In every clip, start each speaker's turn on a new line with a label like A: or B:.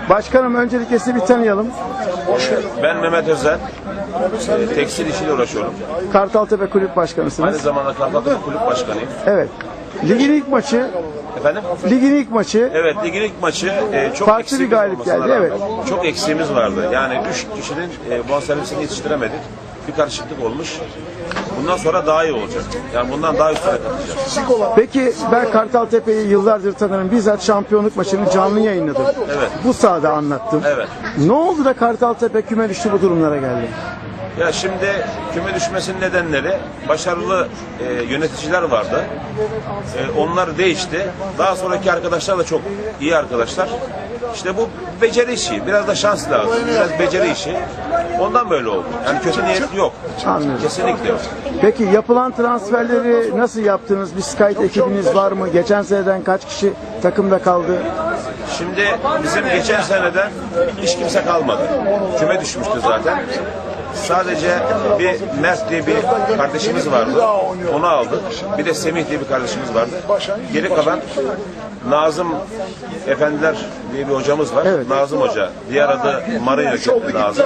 A: Başkanım öncelikle sizi bir tanıyalım.
B: Ben Mehmet Özel, tekstil işiyle uğraşıyorum.
A: Kartaltepe Kulüp Başkanısınız.
B: Aynı zamanda Kartaltepe Kulüp Başkanıyım.
A: Evet. Ligin ilk maçı.
B: Efendim?
A: Ligin ilk maçı.
B: Evet, ligin ilk maçı çok
A: Farklı
B: eksiğimiz
A: bir galip
B: olmasına
A: geldi,
B: rağmen
A: evet.
B: çok eksiğimiz vardı. Yani 3 kişinin bonservisini yetiştiremedik. Bir karışıklık olmuş. Bundan sonra daha iyi olacak. Yani bundan daha üstüne katacağız.
A: Peki ben Kartaltepe'yi yıllardır tanırım. Bizzat şampiyonluk maçını canlı yayınladım.
B: Evet.
A: Bu sahada anlattım.
B: Evet.
A: Ne oldu da Kartaltepe küme düştü bu durumlara geldi?
B: Ya şimdi küme düşmesinin nedenleri başarılı yöneticiler vardı. Onlar değişti. Daha sonraki arkadaşlar da çok iyi arkadaşlar. İşte bu beceri işi. Biraz da şans lazım. Biraz beceri işi. Ondan böyle oldu. Yani kötü niyet yok.
A: Anlıyorum.
B: Kesinlikle yok.
A: Peki yapılan transferleri nasıl yaptınız? Bir scout ekibiniz var mı? Geçen seneden kaç kişi takımda kaldı?
B: Şimdi bizim geçen seneden hiç kimse kalmadı. Küme düşmüştü zaten. Sadece bir Mert diye bir kardeşimiz vardı. Onu aldık. Bir de Semih diye bir kardeşimiz vardı. Geri kalan Nazım Efendiler diye bir hocamız var.
A: Evet.
B: Nazım Hoca. Diğer adı Marino Nazım.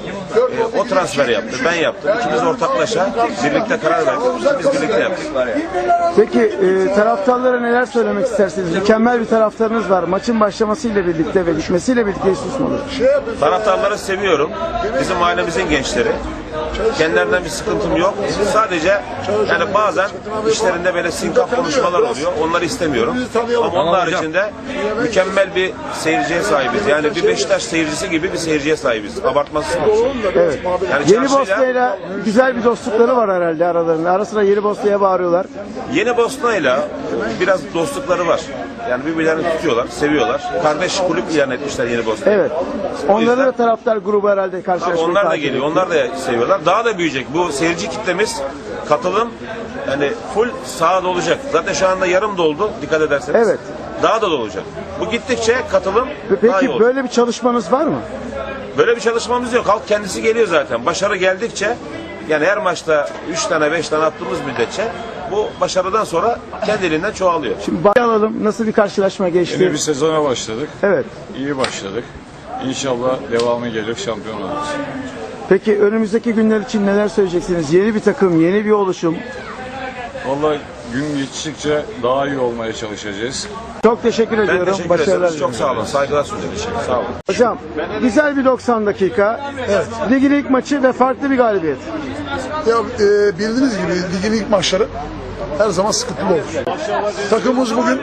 B: O transfer yaptı. Ben yaptım. İkimiz ortaklaşa birlikte karar verdik. Biz birlikte yaptık.
A: Peki taraftarlara neler söylemek istersiniz? Mükemmel bir taraftarınız var. Maçın başlamasıyla birlikte ve bitmesiyle birlikte hiç susmadı.
B: Taraftarları seviyorum. Bizim ailemizin gençleri. Kendilerinden bir sıkıntım yok. Sadece yani bazen işlerinde böyle sinkaf konuşmalar oluyor. Onları istemiyorum. Ama onun haricinde mükemmel bir seyirciye sahibiz. Yani bir Beşiktaş seyircisi gibi bir seyirciye sahibiz. Abartmasız konuşuyorum.
A: Evet.
B: Yani
A: Yeni Bosna'yla güzel bir dostlukları var herhalde aralarında. Ara sıra Yeni Bosna'ya bağırıyorlar.
B: Yeni Bosna'yla biraz dostlukları var. Yani birbirlerini tutuyorlar, seviyorlar. Kardeş kulüp ilan etmişler Yeni Bosna'ya.
A: Evet. Onların da taraftar grubu herhalde karşılaşmayı
B: Onlar da
A: takip
B: geliyor,
A: ediyor.
B: onlar da seviyorlar. Daha da büyüyecek. Bu seyirci kitlemiz, katılım yani full sahada olacak. Zaten şu anda yarım doldu dikkat ederseniz.
A: Evet.
B: Daha da dolacak. Bu gittikçe katılım daha iyi
A: Peki
B: olacak.
A: böyle bir çalışmanız var mı?
B: Böyle bir çalışmamız yok. Halk kendisi geliyor zaten. Başarı geldikçe yani her maçta 3 tane 5 tane attığımız müddetçe bu başarıdan sonra kendiliğinden çoğalıyor.
A: Şimdi alalım. Nasıl bir karşılaşma geçti?
C: Yeni bir sezona başladık.
A: Evet.
C: İyi başladık. İnşallah devamı gelir, şampiyon oluruz.
A: Peki önümüzdeki günler için neler söyleyeceksiniz? Yeni bir takım, yeni bir oluşum.
C: Vallahi gün geçtikçe daha iyi olmaya çalışacağız.
A: Çok teşekkür
B: Ben
A: ediyorum.
B: teşekkür
A: Başarılar
B: ederim. Çok
A: diliyorum.
B: sağ olun. Saygılar sunuyorum. Sağ olun.
A: Hocam güzel bir 90 dakika. Evet. Ligin ilk maçı ve farklı bir galibiyet.
D: Ya bildiğiniz gibi ligin ilk maçları her zaman sıkıntılı olur. Takımımız bugün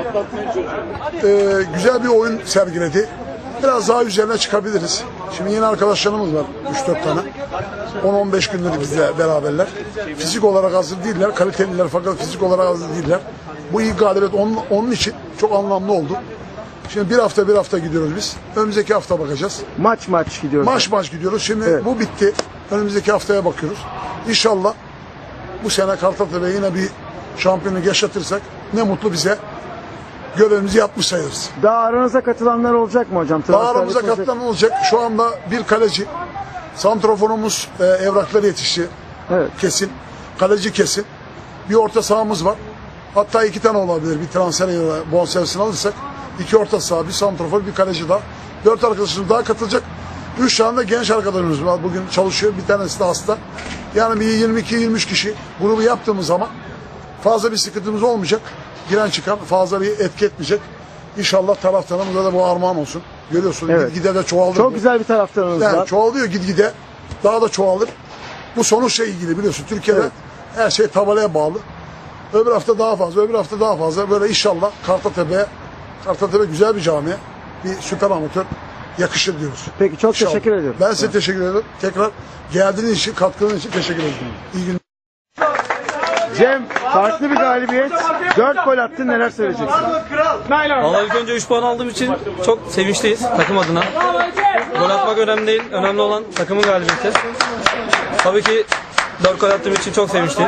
D: güzel bir oyun sergiledi. Biraz daha üzerine çıkabiliriz. Şimdi yeni arkadaşlarımız var 3-4 tane. 10-15 gündür bizle beraberler. Fizik olarak hazır değiller, kaliteliler fakat fizik olarak hazır değiller. Bu ilk galibiyet onun için çok anlamlı oldu. Şimdi bir hafta gidiyoruz biz. Önümüzdeki hafta bakacağız.
A: Maç gidiyoruz.
D: Maç gidiyoruz. Şimdi
A: Evet.
D: bu bitti. Önümüzdeki haftaya bakıyoruz. İnşallah bu sene Kartaltepe'ye yine bir şampiyonluk yaşatırsak ne mutlu bize. Görevimizi yapmış sayılırız.
A: Daha aranıza katılanlar olacak mı hocam?
D: Daha aramıza katılan olacak. Şu anda bir kaleci, santroforumuz evrakları yetişti.
A: Evet.
D: Kesin. Kaleci kesin. Bir orta sahamız var. Hatta 2 tane olabilir. Bir transfer bonservisini alırsak. 2 orta saha, bir santrofor, bir kaleci daha. 4 arkadaşımız daha katılacak. 3 tane de genç arkadaşımız var. Bugün çalışıyor. Bir tanesi de hasta. Yani bir 22-23 kişi grubu yaptığımız zaman fazla bir sıkıntımız olmayacak. Giren çıkan fazla bir etki etmeyecek. İnşallah taraftarımıza da bu armağan olsun. Görüyorsun
A: Evet.
D: gitgide de çoğaldı.
A: Çok güzel bir taraftarınız
D: Yani
A: var.
D: çoğalıyor gitgide. Daha da çoğalır. Bu sonuçla ilgili biliyorsun. Türkiye'de
A: Evet.
D: her şey tabelaya bağlı. Öbür hafta daha fazla, öbür hafta daha fazla. Böyle inşallah Kartaltepe güzel bir cami. Bir süper amatör yakışır diyoruz.
A: Peki çok
D: İnşallah.
A: teşekkür ediyorum.
D: Ben size teşekkür ederim. Tekrar geldiğiniz için, katkınız için teşekkür ederim. İyi günler.
A: Cem farklı bir galibiyet. 4 gol attın, neler söyleyeceksin?
E: Vallahi ilk önce 3 puan aldığım için çok sevinçliyiz takım adına. Gol atmak önemli değil. Önemli olan takımın galibiyeti. Tabii ki 4 gol attığım için çok sevinçliyim.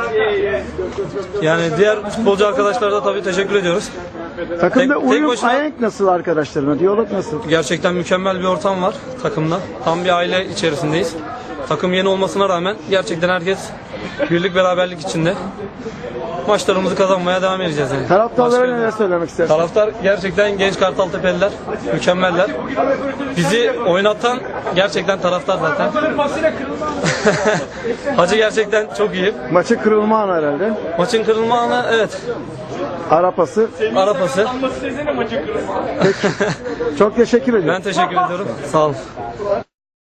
E: Yani diğer futbolcu arkadaşlara da tabii teşekkür ediyoruz.
A: Takımda
E: Tek
A: uyum,
E: başına-
A: ahenk nasıl arkadaşlarına? Diyalog nasıl?
E: Gerçekten mükemmel bir ortam var takımda. Tam bir aile içerisindeyiz. Takım yeni olmasına rağmen gerçekten herkes birlik beraberlik içinde. Maçlarımızı kazanmaya devam edeceğiz yani.
A: Taraftarlara
E: Başka-
A: neler söylemek istersiniz?
E: Taraftar gerçekten genç Kartaltepeliler, mükemmeller. Bizi oynatan gerçekten taraftar zaten. Hacı gerçekten çok iyi.
A: Maçın kırılma anı herhalde.
E: Maçın kırılma anı evet.
A: Arapası.
E: Arapası.
A: Çok teşekkür ediyorum.
E: Ben teşekkür ediyorum. Sağ olun.